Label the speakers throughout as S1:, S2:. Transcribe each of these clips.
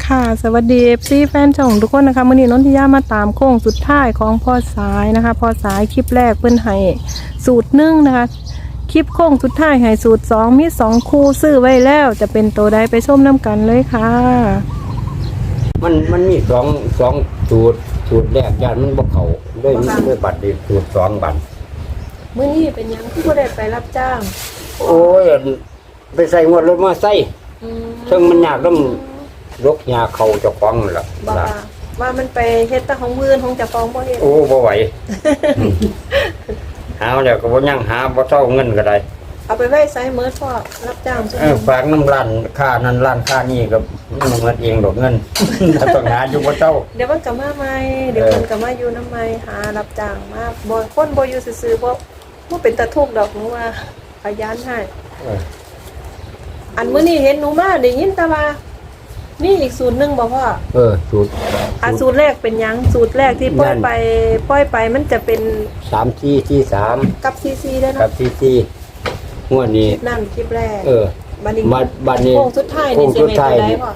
S1: ค่ะสวัสดีFCแฟนช่องทุกคนนะคะมื้อนี้นนทิยามาตามโค้งสุดท้ายของพ่อสายนะคะพ่อสายคลิปแรกเพิ่นให้สูตร1นะคะคลิปโค้งสุดท้ายให้สูตร2มี2คู่ซื้อไว้แล้วจะเป็นตัวใดไปชมน้ำกันเลยค่ะ
S2: มันมีสองสูตรแรกญาติมันบ่เข้าด้วยบัตรดีสูตร2บัตร
S1: มื้อนี้เป็นหยังที่บ่ได้ไปรับจ้าง
S2: โอ้ยไปใส่งวดรถมาใส่ซึ่งมันยากต้องยกยาเข้าเจ้าของนั่นล่ะ
S1: ว่ามันไปเฮ็ดแต่ของมื้อนของเจ้าของบ่เฮ็ด
S2: โอ้บ่ไหว หาแล้วก็บ่ยังหาบ่เท่าเงินก็ได้
S1: เอาไปไว้ไสมื้อพ่อรับจ้างซุ
S2: ฝากน้ำร้านค่านั้นร้านค่านี้ก็มันเงินเองดอกเงิน ถ้าต้องหาอยู่บ่เท่า
S1: เดี๋ยวมันก็มาใหม่เดี๋ยวมันก็มาอยู่นำใหม่หารับจ้างมาบ่คนบ่อยู่ซื่อๆบ่เป็นตาทุกข์ดอกหนูว่าขยันให้อันมื้อนี้เห็นหนูมาได้ยินแต่ว่ามีอีกสูตรหนึงบ่พ่อ
S2: สูตร
S1: สูตรแรกเป็นหยังสูตรแรกที่ปล่อยไปมันจะเป็น
S2: 3 4 3
S1: กับซีได้
S2: กั
S1: เนาะ
S2: บ4งวดนี้
S1: นั่นคลิปแรกบัด
S2: นี้
S1: โค้งสุดท้ายนี่สิแม่นได้พ่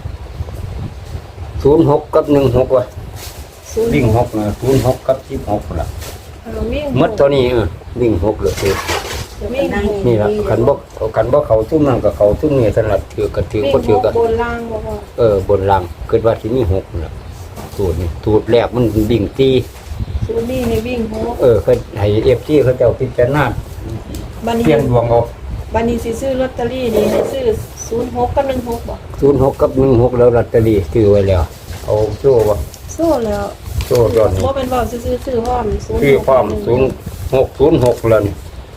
S1: อ
S2: 06กับ16ว่ะวิ่ง6นะ06กับ16ล่ะหมดตัวนี้วิ่ง6เลยนี่ล่ะคันบ่เข้าซุ่มนั่นก็เข้าซุ่มนี่สำหรับถือก็ถือบ่ถือก็
S1: บนล่างบ่พ่
S2: อบนล่างคิดว่าสิมี6น่ะสูตรนี้สูตรแรกมันวิ่ง4
S1: สูตรนี้ให้วิ่ง6
S2: เคยให้ FC เขาเจ้าพิจารณาเปลี่ยนดวงเอา
S1: บัดนี้สิซื้อลอตเตอรี่นี่ให้ซื้อ06กับ16บ่
S2: 06กับ16แล้วลอตเตอรี่ซื้อไว้แล้วเอาโซ่บ่
S1: โซ่แล้ว
S2: โซ่ย้อน
S1: บ่เป็นว่าซื้อพร้อม
S2: ซื้อพร้อม0606แล้วนี่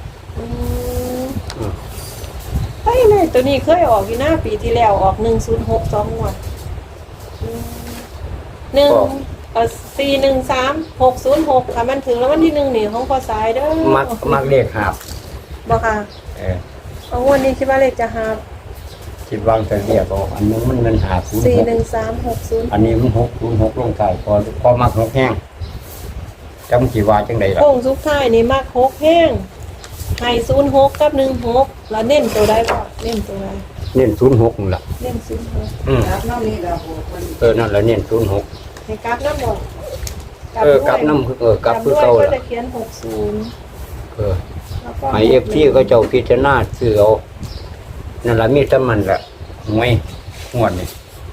S1: ไปเลยตัวนี้เคยออกอยู่หน้าปีที่แล้วออก106 2งวด413 606ค่ะมันถึงแล้ววันที่1นี่ของพอสายเด้อ
S2: มักเลขหาบ
S1: บ่ค่ะเอาวันนี้คิดว่าเลขจะหาบ
S2: คิดวางแต่เรียกเอาอันนึงมันเงินหาบ
S1: 41360
S2: อันนี้มัน606ลงท้ายพอมัก6แห้งจำสิว่าจังได๋ล่ะ
S1: โค้งสุดท้ายนี่มัก6แห้งให้06กับ16แล้วเน้นตัวใดบ่เน้นตัวใด
S2: เน้น06นั่นล่ะ
S1: เน้น06
S3: ครับน้องนี่เรา
S2: นั่นแหละเน้น06
S1: ให้กราฟนำบ่
S2: กราฟนำกราฟคือเก่าล่ะ
S1: จะเขียน60
S2: ให้ FT ก็เจ้าพิจารณาซื้อเอานั่นล่ะมีแต่มันล่ะหวยงวดนี่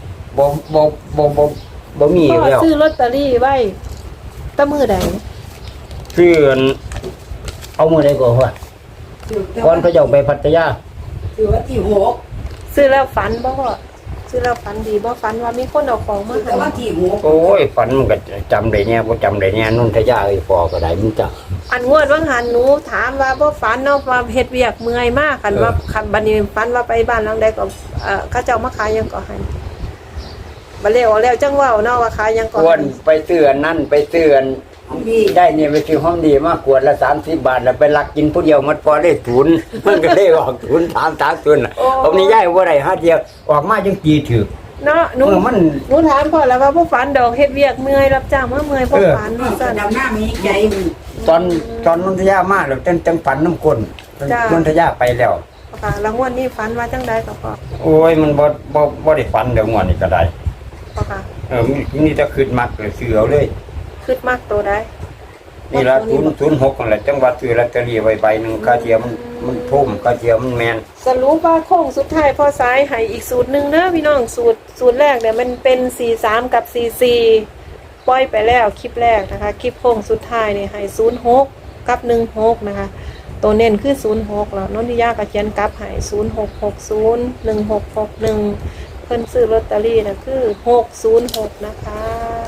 S2: บ่มีแล้ว
S1: ซื้อลอตเตอรี่ไว้ตะมื้อใด
S2: ซื้อเอามื้อใดก่อนว่าก่อนเขาเจ้าไปพัทยา
S3: ถือว่าที่6
S1: ซื้อแล้วฝันบ่พ่อซื้อแล้วฝันดีบ่ฝันว่ามีคนเอาของมาให้
S3: ว่าที่6
S2: โอ้ยฝันมันก็จำได้แน่บ่จำได้แน่นนทยาพอก็ได้มันจัก
S1: อันงวดว่างหันหนูถามว่าบ่ฝันเนาะว่าเฮ็ดเวียกเมื่อยมากคันว่าคันบัดนี้ฝันว่าไปบ้านหลังใดก็เขาเจ้ามาขายหยังก็ให้บ่แล้วจังเว้าเนาะว่าขายหยังก็
S2: ควรไปเตือนนั่นไปเตือนได้เนี่ยไปซื้อห้องดีมากกวดละ30 บาทแล้วไปลักกินผู้เดียวมันพอได้ทุนมันก็ได้ออกทุน3ทุนผมนี่ย้ายบ่ได้หาเดียวออกมาจังตีถูก
S1: เนาะหนูถามพ่อแล้วว่าบ่ฝันดอกเฮ็ดเวียกเมื่อยรับจ้างมาเมื่อยบ่ฝัน
S3: ซั่นดำหน้ามีใจ
S2: ตอนนนทยามาแล้วจังฝันน้ำคนนนทยาไปแล้ว
S1: ค่ะแล้วงวดนี้ฝันว่าจังได๋ก็พ่อ
S2: โอ้ยมันบ่ได้ฝันเดี๋ยวงวดนี้ก็ได้
S1: ค่ะ
S2: นี่จะขึ้นมักเลยซื้อเอาเลย
S1: ขึ้นมักตัวใด
S2: นี่ละ06นั่นแหละจังหวัดซื้อลอตเตอรี่ไว้ใบนึงค่าเทียมมันทุ่มค่าเทียมมันแม่น
S1: สรุปว่าโค้งสุดท้ายพอสายให้อีกสูตรนึงเด้อพี่น้องสูตรแรกเนี่ยมันเป็น43กับ44ปล่อยไปแล้วคลิปแรกนะคะคลิปโค้งสุดท้ายนี่ให้06กับ16นะคะตัวเน้นคือ06แล้วนนทิยาก็เขียนกลับให้0660 1661เพิ่นซื้อลอตเตอรี่น่ะคือ606นะคะ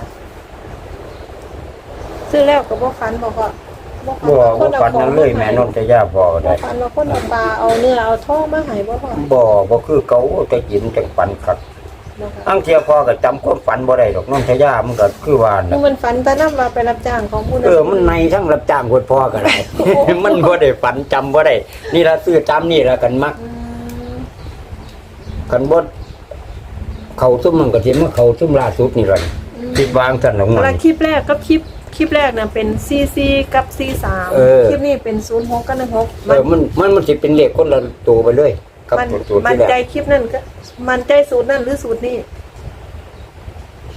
S1: ซื้อแล้วก็บ่ฝันบ่พ่อ
S2: บ่ฝันนั่นเลยแม่นนทยาพอได้
S1: ฝันว่าคนเอาปลาเอาเนื้อเอาทองมาให้บ่พ่อ
S2: บ่คือเก่าแต่กินจังฝันคักอังเที่ยพอก็จำความฝันบ่ได้ดอกนนทยามันก็คือว่าน่ะ
S1: มันฝันแต่นำว่าไปรับจ้างของผู้นั้น
S2: มันในทั้งรับจ้างคนพ่อก็ได้ มันบ่ได้ฝันจำบ่ได้นี่ล่ะซื้อตามนี่ล่ะกันมักกันบ่เข้าซุ่มมันก็สิมาเข้าซุ่มล่าสุดนี่ล่ะคิดวางซั่นของมัน
S1: แล้วคลิปแรกกับคลิปแรกน่ะเป็น44กับ43คลิปนี้เป็น06กับ16
S2: มันสิเป็นเลขคนละตัวไปเลย
S1: กับสูตรมันใจคลิปนั้นก็มันใจสูตรนั้นหรือสูตรนี้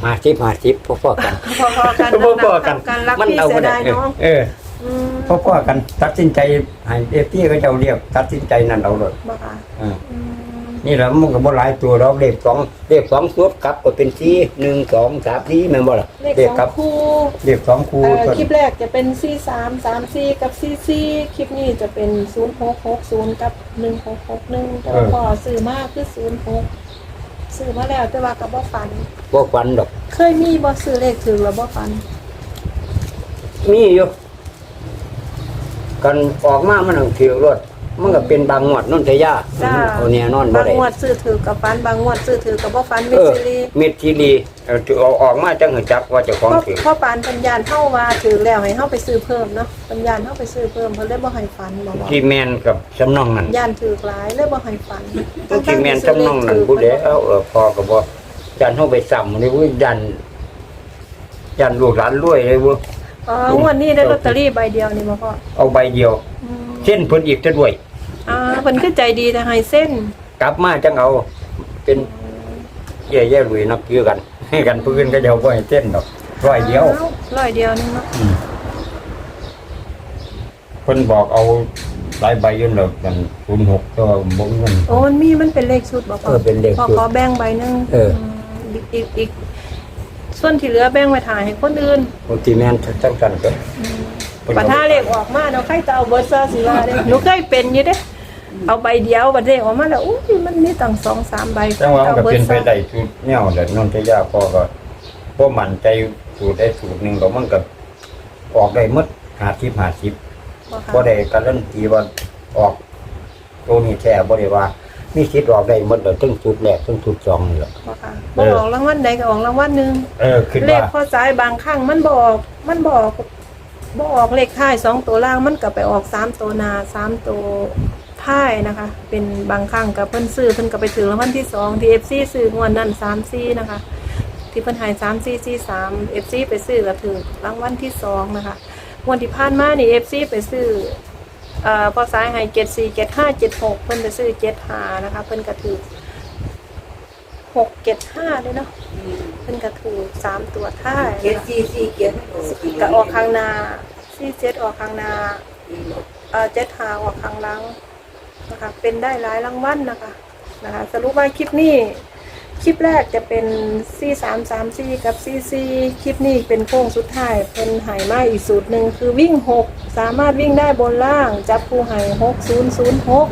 S2: 50พอๆกัน
S1: พอๆกัน
S2: พอๆกัน
S1: การรัก
S2: มัน
S1: พี่
S2: เอา
S1: เสี
S2: บ่
S1: ย
S2: ได้
S1: ดายน้อง ม
S2: พอๆกันตัดสินใจให้FTก็เจ้าเรียกตัดสินใจนั่นเอาเลย
S1: บ่ค่ะ
S2: อืม
S1: อืม
S2: นี่แหละมันก็บ่หลายตัวดอกเลข2สุดกลับก็เป็น4 1 2 3 4แม่นบ่ล่ะ
S1: เลข
S2: กลั
S1: 2คู่
S2: เลข2คู่ตัว
S1: คลิปแรกจะเป็น43 34กับ44คลิปนี้จะเป็น0660กับ1661แต่ว่าพอซื้อมาคือ06ซื้อมาแล้วแต่ว่าก็บ่ฝัน
S2: บ่ฝันดอก
S1: เคยมีบ่ซื้อเลขถึงแล้วบ่ฝัน
S2: มีอยู่กันออกมามันถือรถมันก็เป็นบางงวดนนทยา
S1: จ้า
S2: เอาแน่นอนบ่
S1: บาง
S2: ได้
S1: งวดซื้อถือกับฝันบางงวดซื้อถือกับบ่ฝันมิ
S2: เอ
S1: ส
S2: อ
S1: ซิลี
S2: เม็ดทีรีถือเอาออกมาจังหัวจักว่าเจ้าของถือ
S1: พ่อปานปัญญาเฮาว่าถือแล้วให้เฮาไปซื้อเพิ่มเนาะปัญญาเฮาไปซื้อเพิ่มเพิ่นเลยบ่ให้ฝันบ่ว่า
S2: ที่แม่นกับสำนองนั่น
S1: ย่านถือหลายเลยบ่ให้ฝัน
S2: ที่แม่นสำนองนั่นผู้ใดเอาพอก็บ่ยันเฮาไปซ้ำนี่เว้ยยันลูกหลานรวยเลยเว้ย
S1: อ๋องวดนี้ได้ลอตเตอรี่ใบเดียวนี่บ่พ่อ
S2: เอาใบเดียว
S1: อืม
S2: เส้นเพิ่นอีกจะด้วย
S1: เพิ่นคือใจดีแต่ให้เส้น
S2: กลับมาจังเอาเป็นแย่ๆรวยนักคือกัน ให้กันผู้อื่นก็เดี๋ยวบ่ให้เส้นดอกร้อยเดียว
S1: ร้อยเดียวนึงเนาะ
S2: เพิ่นบอกเอาหลายใบอยืนแล้วกัน06ก็บ่มีเงิน
S1: โอ้มันเป็นเลขชุดบ่พ่อ
S2: เป็นเลขชุด
S1: พ่อขอแบ่งใบหนึง
S2: เออ
S1: อีกส่วนที่เหลือแบ่งไว้ถ่ายให้คนอื่น
S2: บางทีแม่นจังกันก็
S1: ปัญหาเลขออกมาเนาะใครจะเอาเบิร์ดซะสิว่าเด้หนูเคยเป็นอยู่เด้เอาใบเดียวบัดเลขออกมาแล้วอุ้ยมันมีตั้ง2-3ใบ
S2: จังว่ามันก็เป็นไป
S1: ซะ
S2: ได้สูตรแนวแหละนนทยาพอก็บ่มั่นใจสูตรได้สูตรหนึงแล้วมันก็ออกได้หมด50บ่ได้การันตีว่าออกตัวนี้แท้บ่ได้ว่า มีสิทธิ์ออกได้หมดเลยทั้งสูตรแรกทั้งสูตร2นี่แหละ
S1: บ่ค่ะบ่ออกรางวัลใดก็ออกรางวัลหนึง
S2: คิด
S1: เล
S2: ว่า
S1: ขข้อสายบางครั้งมันบ่ออกเลขท้าย2ตัวล่างมันก็ไปออก3ตัวหน้า3ตัวท้ายนะคะ เป็นบางครั้งก็เพิ่นซื้อเพิ่นก็ไปถึงรางวัลที่2ที่ FC ซื้องวดนั้น34นะคะ ที่เพิ่นให้3443 FC ไปซื้อก็ถึงรางวัลที่2นะคะงวดที่ผ่านมานี่ FC ไปซื้อพอสายให้74 75 76เพิ่นไปซื้อ75นะคะเพิ่นก็ถือ675ด้วยเนาะเพิ่นก็ถูก3ตัวท้าย
S3: เจ็ด
S1: นะคะ
S3: สี่เจ็ด
S1: ก็ออกข้างหน้า47ออกข้างหน้า75ออกข้างหลังนะคะเป็นได้หลายรางวัลนะคะสรุปว่าคลิปนี้คลิปแรกจะเป็น4334กับ44คลิปนี้เป็นโค้งสุดท้ายเพิ่นให้มาอีกสูตรหนึ่งคือวิ่ง6สามารถวิ่งได้บนล่างจับคู่ให้6006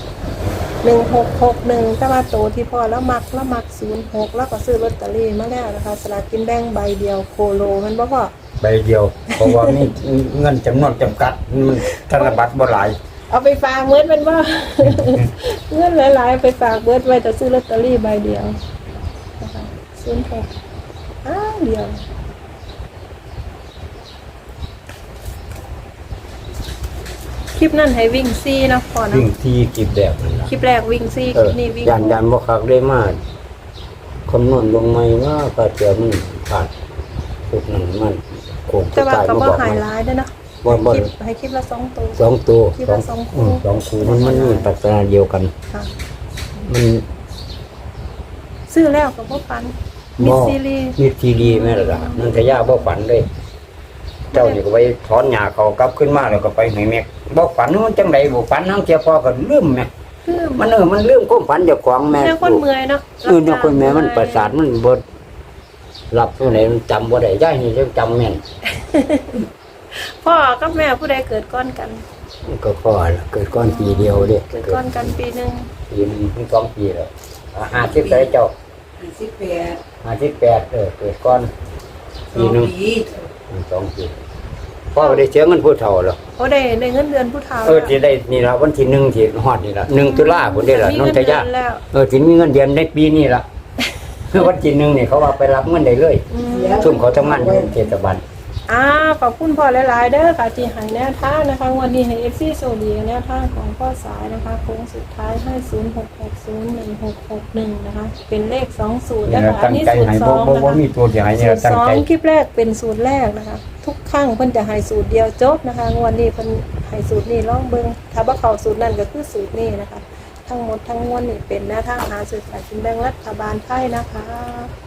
S1: 1661แต่ว่าโตที่พ่อแล้วมัก06แล้วก็ซื้อลอตเตอรี่มาแล้วนะคะสลากกินแบ่งใบเดียวโคโลมันบ่พอ
S2: ใบเดียว เพราะว่ามีเงินจำนวนจำกัดมันธนบัตรบ่หลาย
S1: เอาไปฝากเมิดมันว่า เงินหลายๆไปฝากเมิดไว้แต่ซื้อลอตเตอรี่ใบเดียวนะคะ06เดียวคลิปนั้นให้วิ่งซี่นะพ่อนะ
S2: วิ่งที่กิบแบบนั่นล่ะ
S1: คลิปแรกวิ่งซี่คลิปนี้วิ่ง
S2: ยันบ่คักได้มากคำนวณลงใหม่ว่าก็เจอมันผ่านสุดนั้นมันโคง
S1: แต่ว่า
S2: ตาย
S1: ก็
S2: มา
S1: บ่
S2: บอก
S1: หาย
S2: มัน
S1: ร้ายด้วยนะ
S2: บ่
S1: ให้คลิปละ2ตัว
S2: สองตัว
S1: คิดว่าสองคู่
S2: สองคู่มันมีลักษณะเดียวกัน
S1: ค่ะ
S2: มัน
S1: ซื้อแล้วก็บ่ปันมีซีรีส์
S2: มีทีดีแม่ล่ะนั่นทะยาบ่ฝันเลย เจ้านี่ก็ไปถอนหญ้าเขากลับขึ้นมาแล้วก็ไปให้แม่บ่ฝันมันจังไดบ่ฝันทั้งเจ้าพ่อก็ลืมแม่
S1: คือ
S2: มันมันลืมความฝันเจ้าของแม่
S1: แม่คนเมื่อยเนาะ
S2: เนี่ยคนแม่มันประสาทมันบ่หลับตัวไหนมันจำบ่ได้ย่ายนี่ยังจำแม่น
S1: พ่อกับแม่ผู้ใดเกิดก้อนกัน
S2: มันก็พอละเกิดก้อนปีเดียวเด้
S1: เกิดก้อนกันปีหนึง
S2: ปีนึงถึง2ปีแล้ว50ได้เจ้า
S3: 58
S2: 58เกิดก้อนปีนึง
S3: ปี
S2: 2ปีพ่อก็ได้เสียเงินผู้เฒ่าแล้ว
S1: โอ้ได้เงินเดือนผู้เฒ่า
S2: สิได้นี่ล่ะวันที่1ที่ฮอดนี่ล่ะ1ตุลาคมพุ่นเด้ล่ะนนทยา
S1: มีเงินเดือนแล้ว
S2: สิมีเงินเดือนในปีนี้ล่ะ วันที่1นี่เขาว่าไปรับเงินได้เลย
S1: อืม
S2: ซุ่มเขาทำงานอยู่เทศบาล
S1: ขอบคุณพ่อหลายๆเด้อค่ะที่ให้แนวทางนะคะวันนี้ให้ FC โซดีแนวทางของพ่อสายนะคะโค้งสุดท้ายให้06601661นะคะเป็นเลข2สูตร
S2: นี่
S1: แล้ว
S2: ล่ะ
S1: ก็อั
S2: ตั้
S1: น
S2: ง
S1: นี้
S2: ใจ
S1: สูตร
S2: ให้
S1: 2
S2: บ่
S1: นะคะ
S2: มีตัวที่ให้นี่
S1: สู
S2: ล่ะ
S1: ตร
S2: ตั้งใจ
S1: 2คลิปแรกเป็นสูตรแรกนะคะ ทุกครั้งเพิ่นจะให้สูตรเดียวจบนะคะงวันนี้เพิ่นให้สูตรนี้ลองเบิ่งถ้าบ่เข้าสูตรนั้นก็คือสูตรนี้นะคะ ทั้งหมดทั้งมวลนี่เป็นแนวทางหาซื้อสลากกินแบ่งรัฐบาลไทยนะคะ